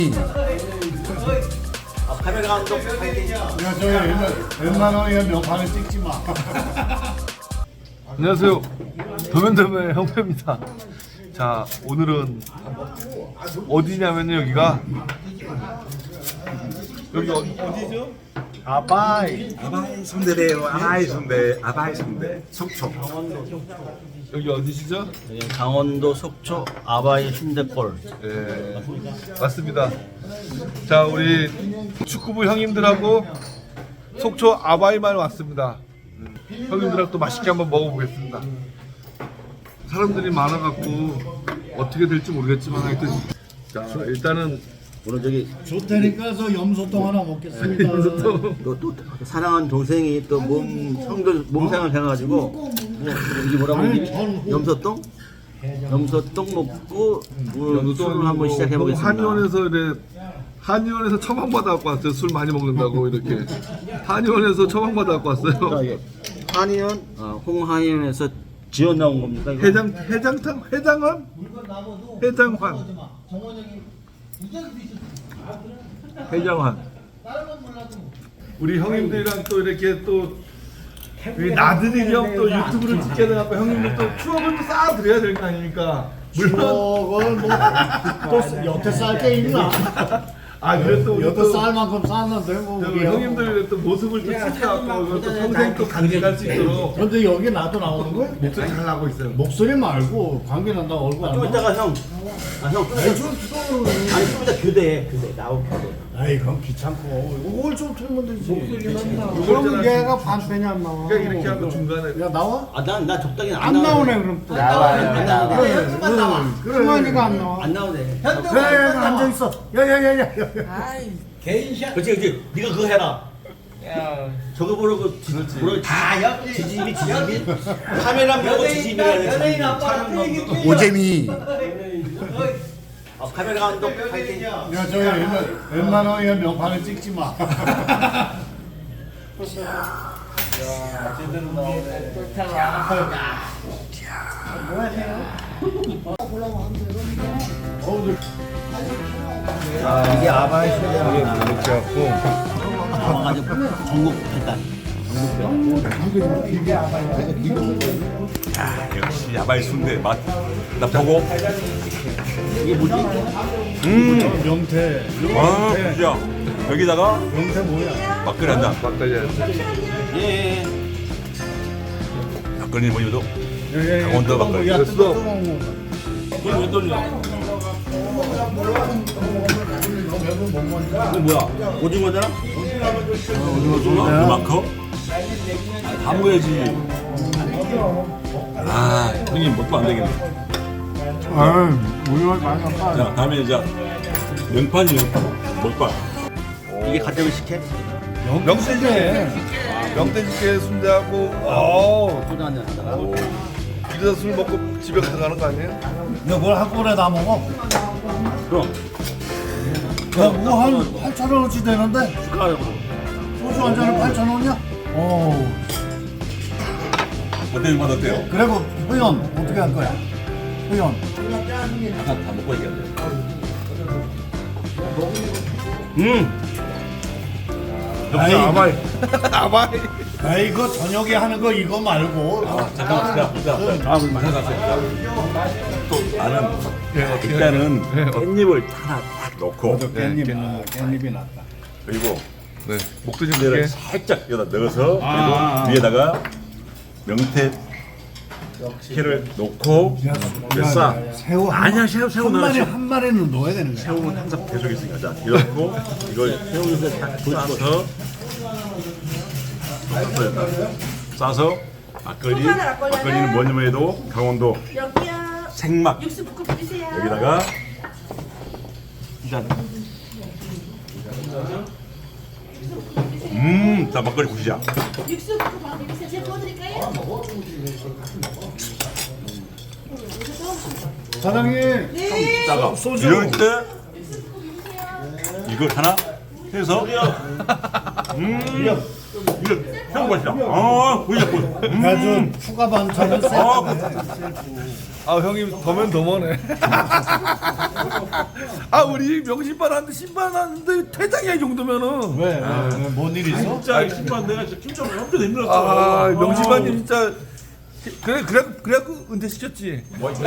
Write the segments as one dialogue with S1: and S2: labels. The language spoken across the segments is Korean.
S1: 카메라 감독 파이팅.
S2: 야, 저 웬만하면 명판을 찍지 마.
S3: 안녕하세요. 더맨더맨 형표입니다. 자, 오늘은 어디냐면요, 여기가 여기 어디죠?
S2: 아바이.
S4: 아바이 순대래요. 아바이 순대. 아바이 순대. 속초.
S3: 여기 어디시죠?
S1: 강원도 속초 아바이 순대골.
S3: 네, 맞습니다. 자, 우리 축구부 형님들하고 속초 아바이만 왔습니다. 형님들하고 또 맛있게 한번 먹어보겠습니다. 사람들이 많아갖고 어떻게 될지 모르겠지만 하여튼 자, 일단은
S1: 오늘 저기
S2: 좋다니까 저 염소똥 하나 먹겠습니다.
S1: 또 사랑한 동생이 또 몸생을 해가지고 이게 뭐라고 하지? 염소똥? 염소똥 먹고 오늘 술을 한번 시작해 보겠습니다.
S3: 한의원에서 처방 받아갖고 왔어요. 술 많이 먹는다고 이렇게 한의원에서 처방 받아갖고 왔어요.
S1: 한의원 홍한의원에서 지어 나온 겁니까? 이거?
S3: 해장환? 우리 형님들이랑 또 이렇게 또 나들이 형또 유튜브를 찍게 돼갖고 형님들 또 추억을 또 쌓아드려야 될 거 아닙니까? 물론
S2: 저걸 뭐또 여태 쌀 게 있나?
S3: 그래도 우리
S2: 여태
S3: 또
S2: 쌀 만큼 쌌는데 뭐. 우리
S3: 형님들 또 모습을 또 찍어갖고 또 평생 또 간직할 수 있도록
S2: 근데 여기 나도 나오는 거야?
S3: 목소리 잘 나고 있어요.
S2: 목소리 말고 관계 난다 얼굴 안
S1: 좀
S2: 나와?
S1: 이따가 형. 형. 아니 좀 이따 교대 나올 교대.
S2: 아이 그럼 귀찮고 이걸 좀 틀면 되지. 목소리만 나와.
S3: 그럼
S2: 그럼 얘가 반편이 안 나와.
S3: 그러니까 이렇게 하고 중간에
S2: 야 나와?
S1: 나 적당히
S2: 안 나오네 그럼 또.
S1: 안 나오네.
S2: 그래. 승환이가 안 나와.
S1: 안 나오네.
S2: 그래 앉아 있어. 야야야야.
S1: 그렇지. 네가 그거 해라. 저거 보러 지짐이 카메라 보고 지짐이라 연예인 아빠
S2: 오재미.
S1: 카메라 감독 파이팅.
S2: 야 저 웬만하면 명판을 찍지 마.
S1: 이게 아바이 순대야.
S3: 이렇게 갖고
S1: 아주 전국 일단.
S4: 역시 아바이 순대 맛. 나 보고.
S1: 이게 뭐지?
S2: 명태.
S4: 와, 진짜. 여기다가
S2: 명태 뭐야?
S4: 막걸리 한다.
S3: 막걸리
S1: 예.
S4: 막걸리 뭐냐도 강원도 막걸리.
S2: 야
S3: 됐어.
S1: 그걸 왜 돌려? 이거 뭐야? 오징어잖아?
S4: 그만큼? 다 먹어야지. 형님 먹고 안 되겠네.
S2: 아, 우유가 많이 안 빠.
S4: 자, 다음에 이제 명판이요. 먹방.
S1: 이게 가정을 식혜?
S3: 명태식혜 순대하고
S1: 소주 한잔 하다가.
S3: 이래서 술 먹고 집에 가져가는 거 아니에요?
S2: 너뭘 한꺼번에 다 먹어?
S1: 그럼
S2: 야, 뭐한 8,000원어치 되는데?
S1: 축하하고.
S2: 소주 한 잔에 8,000원이야? 어.
S4: 어때요? 맛 어때요?
S2: 그리고 회원 어떻게 할 거야? 회원.
S4: 아까 다 먹고 얘기한대.
S2: 아이,
S3: 아바이.
S2: 아 이거 저녁에 하는 거 이거 말고.
S4: 잠깐만. 또 나는 일단은 깻잎을 하나 딱 넣고
S2: 깻잎이 낫다.
S4: 그리고
S3: 네, 목도리
S4: 순대를
S3: 게
S4: 살짝 여기다 넣어서 그리고 위에다가 명태 회를 넣고 싸.
S2: 새우
S4: 아니야, 새우
S2: 한 마리
S4: 넣어야지.
S2: 한 마리는 넣어야 되는 거야.
S4: 새우는 항상 계속 있으니까 자 이렇고 이걸 새우를 딱 싸서 싸서 막걸리는 뭐냐면 해도 강원도
S5: 여기요.
S4: 생막
S5: 육수 붓고 뿌리세요.
S4: 여기다가 짠. 자 막걸리 부시자.
S5: 육수 붓고 바로 뿌리세요. 제가 부어드릴까요?
S2: 사장님.
S5: 네.
S4: 따가 이럴 때 이걸 하나 해서 이거 형 맛있다. 아, 보이자 보여.
S2: 아주 추가 반찬은
S3: 아 형님 더면 더머네. 아 우리 명신반 하는데 신반 하는데 퇴장이야 이 정도면은.
S2: 왜? 뭔 일 있어?
S4: 진짜 신발 내가 진짜 김정은 엄청 힘들었어.
S3: 아 명신반님 진짜 그래갖고 은퇴 시켰지.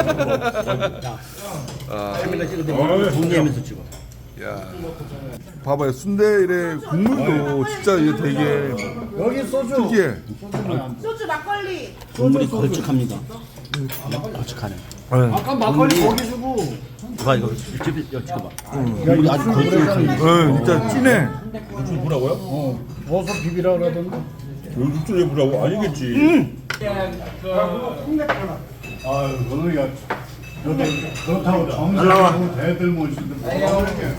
S1: 카메라 찍을 때 정리하면서 찍어.
S3: 야, 봐봐요 순대 이래 국물도 진짜 이게 되게
S2: 여기 소주.
S3: 특이해.
S5: 소주 막걸리.
S1: 국물이 걸쭉합니다. 걸쭉하네.
S2: 아까 막걸리 거기 주고.
S1: 봐 이거 찍어봐.
S2: 국물이 아주 걸쭉해.
S3: 진짜 진해.
S4: 육수 뭐라고요?
S2: 어서 비비라 그러던데.
S4: 육수 왜 뭐라고? 아니겠지.
S6: 아유, 너는 그렇다고 정상하고 대들 모시는 거 이렇게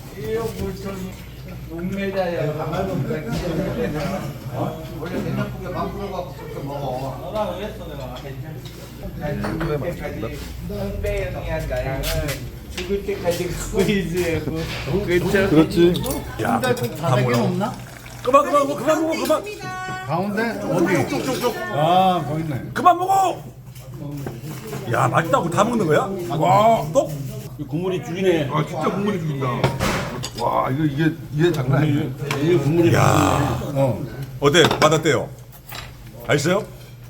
S2: 죽을 때까지 갖고 있지.
S3: 그렇지.
S4: 야,
S2: 다대기 없나?
S4: 그만 먹어, 그만.
S2: 가운데 어디?
S4: 쭉쭉쭉.
S2: 아, 거기 있네.
S4: 그만 먹어. 야, 맛있다고 다 먹는 거야? 와, 또?
S1: 국물이 죽이네.
S3: 아 진짜 국물이 죽인다. 와 이게 장난 아니에요.
S1: 이게 국물이
S4: 야, 어때? 맛어때요? 맛있어요?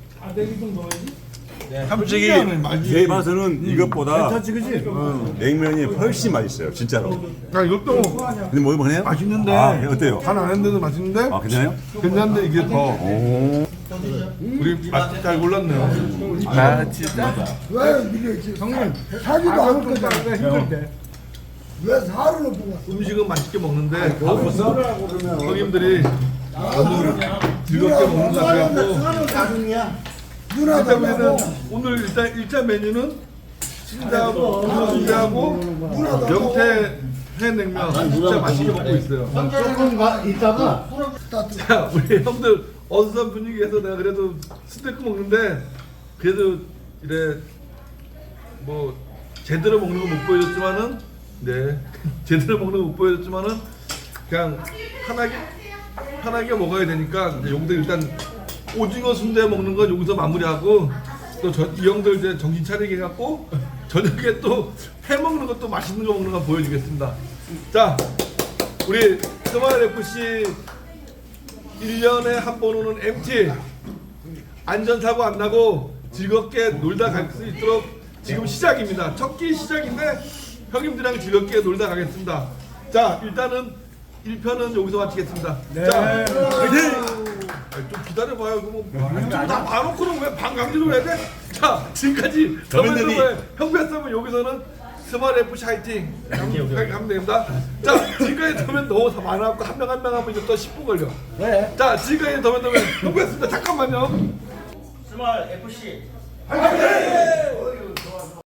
S4: 솔직히 제 맛은 이것보다
S2: 괜찮지, 그지?
S4: 냉면이 훨씬 맛있어요, 진짜로.
S3: 아 이것도
S4: 근데 뭐 해요?
S3: 맛있는데
S4: 아, 어때요?
S3: 간 안 했는데도 맛있는데
S4: 아, 괜찮아요?
S3: 괜찮은데 이게 더 우리 맛 잘 골랐네요. 아 진짜.
S2: 형님, 사기도 않을 거잖아. 힘들 때. 왜 사료를 뽑아?
S3: 음식은 맛있게 먹는데 형님들이 너무 즐겁게 먹는다 그래갖고
S2: 사료 나중이야.
S3: 일단 우리는 오늘 일단 메뉴는 신자하고 순대하고 명태 회냉면 진짜 맛있게 먹고 있어요.
S2: 조금 있다가
S3: 자 우리 형들 어수선 분위기에서 내가 그래도 스테이크 먹는데 그래도 이래 뭐 제대로 먹는 거 못 보여줬지만은 네 제대로 먹는 거 못 보여줬지만은 그냥 편하게 먹어야 되니까 이제 여기서 일단 오징어 순대 먹는 건 여기서 마무리하고 또 이 형들 이제 정신 차리게 해갖고 저녁에 또 회 먹는 것도 맛있는 거 먹는 거 보여주겠습니다. 자 우리 스마일 FC 1년에 한 번 오는 MT 안전사고 안 나고 즐겁게 놀다 갈 수 있도록 지금 시작입니다. 첫 끼 시작인데 형님들이랑 즐겁게 놀다 가겠습니다. 자 일단은 1편은 여기서 마치겠습니다. 자 화이팅! 좀 기다려봐요. 이거 다 봐놓고는 왜 반강제로 해야 돼? 자 지금까지 더맨더맨 형배싸면 여기서는 스마일 FC 화이팅 하면 됩니다. 자 지금까지 더맨 너무 다 많아갖고 한 명 한 명 하면 이제 또 10분 걸려. 자 지금까지 더맨더맨 형배였습니다. 잠깐만요.
S1: 스마일 FC
S3: 화이팅!